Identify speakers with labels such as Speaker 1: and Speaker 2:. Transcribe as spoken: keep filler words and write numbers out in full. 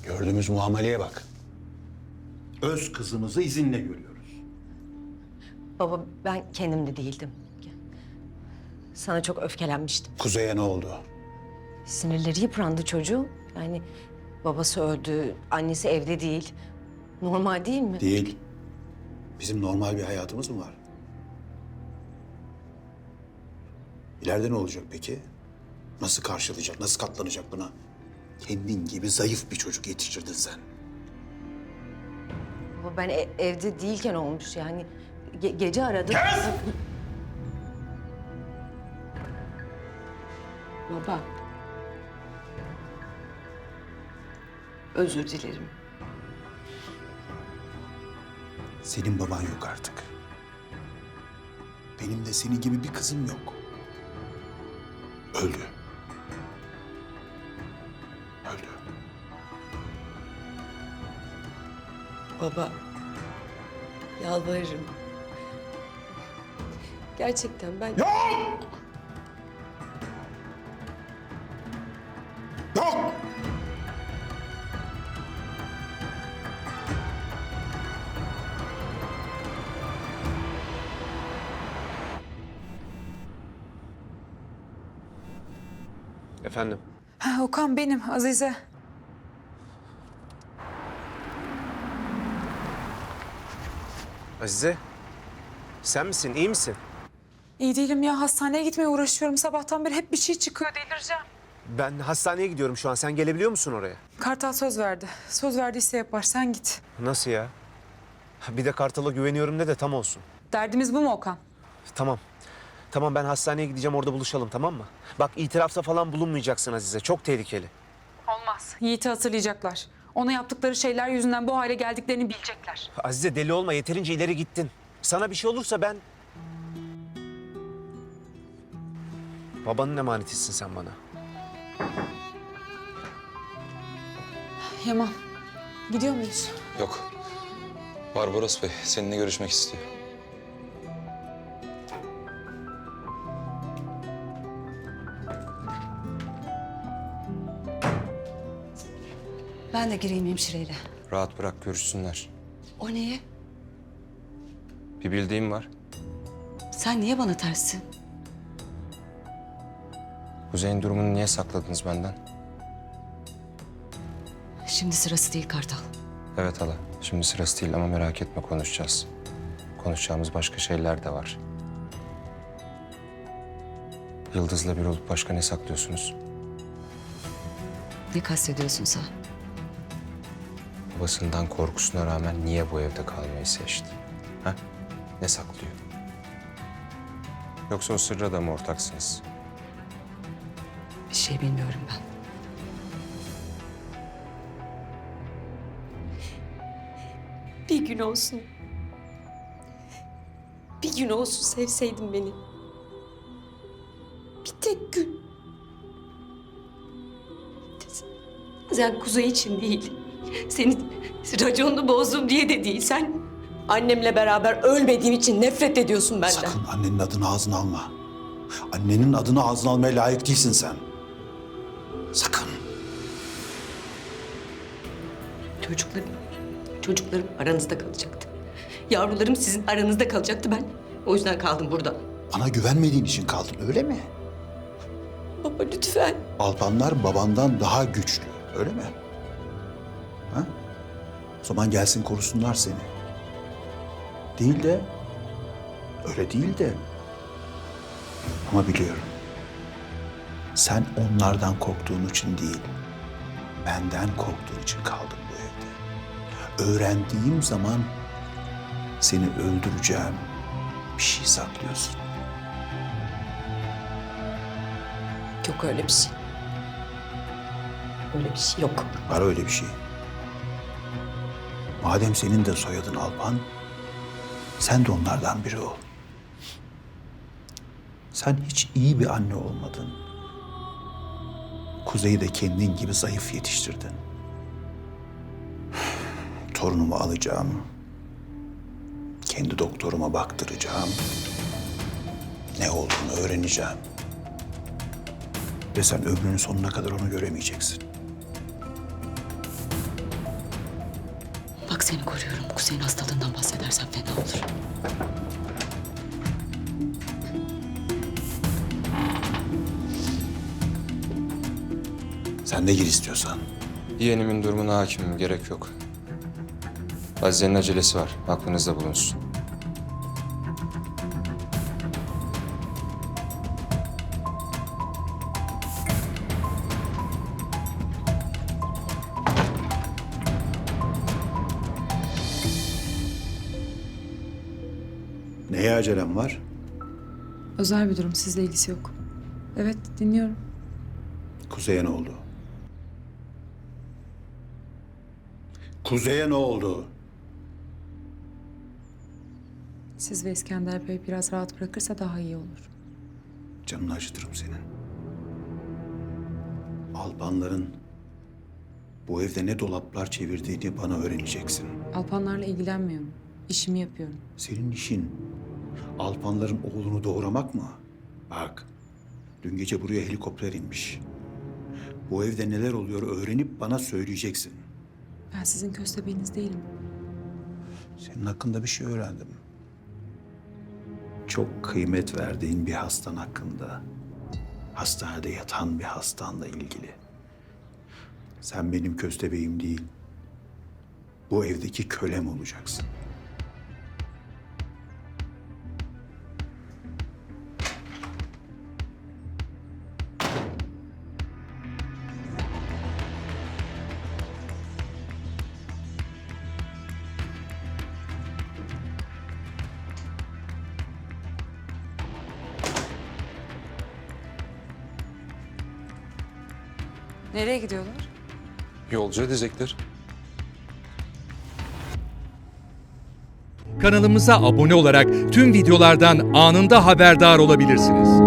Speaker 1: Gördüğümüz muameleye bak. Öz kızımızı izinle görüyoruz.
Speaker 2: Baba ben kendimde değildim. Sana çok öfkelenmiştim.
Speaker 1: Kuzey'e ne oldu?
Speaker 2: Sinirleri yıprandı çocuğun. Yani babası öldü, annesi evde değil. Normal değil mi?
Speaker 1: Değil. Bizim normal bir hayatımız mı var? İleride ne olacak peki? Nasıl karşılayacak, nasıl katlanacak buna? Kendin gibi zayıf bir çocuk yetiştirdin sen.
Speaker 2: Baba ben e- evde değilken olmuş yani. Ge- gece aradım.
Speaker 1: Kes!
Speaker 2: Baba. Özür dilerim.
Speaker 1: Senin baban yok artık. Benim de senin gibi bir kızım yok. Öldü. Öldü.
Speaker 3: Baba, yalvarırım. Gerçekten ben...
Speaker 1: Yok! Yok!
Speaker 4: Efendim?
Speaker 5: Ha, Okan benim, Azize.
Speaker 4: Azize, sen misin? İyi misin?
Speaker 5: İyi değilim ya, hastaneye gitmeye uğraşıyorum. Sabahtan beri hep bir şey çıkıyor, delireceğim.
Speaker 4: Ben hastaneye gidiyorum şu an. Sen gelebiliyor musun oraya?
Speaker 5: Kartal söz verdi. Söz verdiyse yapar, sen git.
Speaker 4: Nasıl ya? Bir de Kartal'a güveniyorum de de tam olsun.
Speaker 5: Derdimiz bu mu Okan?
Speaker 4: Tamam. Tamam ben hastaneye gideceğim, orada buluşalım, tamam mı? Bak itirafta falan bulunmayacaksın Azize. Çok tehlikeli.
Speaker 5: Olmaz. Yiğit'i hatırlayacaklar. Ona yaptıkları şeyler yüzünden bu hale geldiklerini bilecekler.
Speaker 4: Azize deli olma, yeterince ileri gittin. Sana bir şey olursa ben... Babanın emanetisin sen bana.
Speaker 5: Yaman, gidiyor muyuz?
Speaker 6: Yok. Barbaros Bey seninle görüşmek istiyor.
Speaker 3: Ben de gireyim hemşireyle.
Speaker 6: Rahat bırak görüşsünler.
Speaker 3: O neye?
Speaker 6: Bir bildiğim var.
Speaker 3: Sen niye bana terssin?
Speaker 6: Kuzey'in durumunu niye sakladınız benden?
Speaker 3: Şimdi sırası değil Kartal.
Speaker 6: Evet hala. Şimdi sırası değil ama merak etme konuşacağız. Konuşacağımız başka şeyler de var. Yıldız'la bir olup başka ne saklıyorsunuz?
Speaker 3: Ne kastediyorsun sen?
Speaker 6: Babasından korkusuna rağmen niye bu evde kalmayı seçti? Ha? Ne saklıyor? Yoksa o sırra da mı ortaksınız?
Speaker 3: Bir şey bilmiyorum ben. Bir gün olsun. Bir gün olsun sevseydin beni. Bir tek gün. Sen Kuzey için değil. Senin raconunu bozdum diye de değil. Sen annemle beraber ölmediğim için nefret ediyorsun benden.
Speaker 1: Sakın annenin adını ağzına alma. Annenin adını ağzına almaya layık değilsin sen. Sakın.
Speaker 3: Çocuklarım, çocuklarım aranızda kalacaktı. Yavrularım sizin aranızda kalacaktı ben. O yüzden kaldım burada.
Speaker 1: Bana güvenmediğin için kaldın öyle mi?
Speaker 3: Baba lütfen.
Speaker 1: Alpanlar babandan daha güçlü öyle mi? Ha? O zaman gelsin korusunlar seni. Değil de, öyle değil de. Ama biliyorum. Sen onlardan korktuğun için değil, benden korktuğun için kaldın bu evde. Öğrendiğim zaman seni öldüreceğim bir şey saklıyorsun.
Speaker 3: Yok öyle bir şey. Öyle bir şey yok.
Speaker 1: Var öyle bir şey. Madem senin de soyadın Alpan, sen de onlardan biri ol. Sen hiç iyi bir anne olmadın. Kuzey'i de kendin gibi zayıf yetiştirdin. Torunumu alacağım. Kendi doktoruma baktıracağım. Ne olduğunu öğreneceğim. Ve sen ömrünün sonuna kadar onu göremeyeceksin.
Speaker 3: seni koruyorum. Kuzey'in hastalığından bahsedersen fena olur.
Speaker 1: Sen de gir istiyorsan.
Speaker 6: Yeğenimin durumuna hakimim, gerek yok. Azize'nin acelesi var, aklınızda bulunsun.
Speaker 1: Neye acelem var?
Speaker 5: Özel bir durum, sizle ilgisi yok. Evet, dinliyorum.
Speaker 1: Kuzey'e ne oldu? Kuzey'e ne oldu?
Speaker 5: Siz ve İskender Bey biraz rahat bırakırsa daha iyi olur.
Speaker 1: Canını acıtırım senin. Alpanların bu evde ne dolaplar çevirdiğini bana öğreneceksin.
Speaker 5: Alpanlarla ilgilenmiyorum. İşimi yapıyorum.
Speaker 1: Senin işin Alpanların oğlunu doğuramak mı? Bak, dün gece buraya helikopter inmiş. Bu evde neler oluyor öğrenip bana söyleyeceksin.
Speaker 5: Ben sizin köstebeğiniz değilim.
Speaker 1: Senin hakkında bir şey öğrendim. Çok kıymet verdiğin bir hastan hakkında. Hastanede yatan bir hastanla ilgili. Sen benim köstebeğim değil. Bu evdeki kölem olacaksın.
Speaker 5: Nereye gidiyorlar?
Speaker 6: Yolcu edecekler.
Speaker 7: Kanalımıza abone olarak tüm videolardan anında haberdar olabilirsiniz.